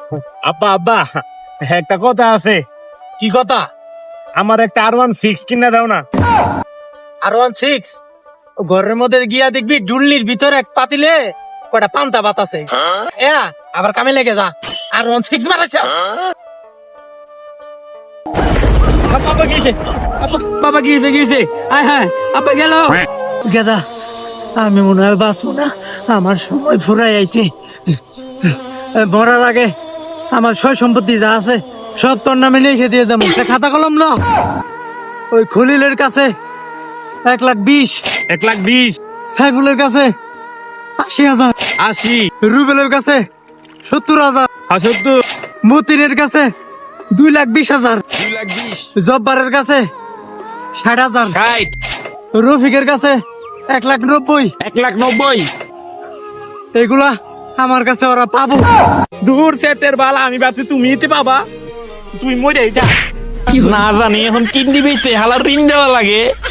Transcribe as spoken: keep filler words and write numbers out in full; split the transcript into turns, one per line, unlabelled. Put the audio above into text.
আব্বা আব্বা একটা কথা আছে।
কি কথা?
আমার একটা আর ওয়ান সিক্স কিনা দাও না।
আর ওয়ান সিক্স ঘরের মধ্যে গিয়া দেখবি ডুল্লির ভিতরে এক পাতিলে কয়টা পান্তা ভাত আছে। এ আবার কামে লেগে যা, আর ওয়ান সিক্স মারাচ্ছে।
বাবা গিয়েছে, বাবা গিয়েছে গিয়েছে আয় হ্যাঁ আব্বা গেল।
গেদা, আমি মনে হয় বাঁচবো না, আমার সময় ফুরাই আইছে। মরার আগে আমার সয় সম্পত্তি যা আছে সব তোর নামে লিখে দিয়ে যাবো। একটা খাতা কলম ল, ওই খলিলের কাছে এক লাখ বিশ,
এক লাখ বিশ,
সাইফুলের কাছে আশি হাজার,
আশি,
রুবেলের কাছে সত্তর হাজার,
সত্তর,
মতিনের কাছে দুই লাখ বিশ হাজার,
দুই লাখ বিশ,
জব্বারের কাছে ষাট হাজার,
ষাট,
রফিকের কাছে এক লাখ নব্বই।
এক লাখ নব্বই।
এগুলা আমার কাছে ওরা পাবো।
দূর সেটের বালা, আমি ভাবছি তুমি এতে পাবা, তুই মরে যা। না জানি এখন কিডনি বেঁচে হালার ঋণ দেওয়া লাগে।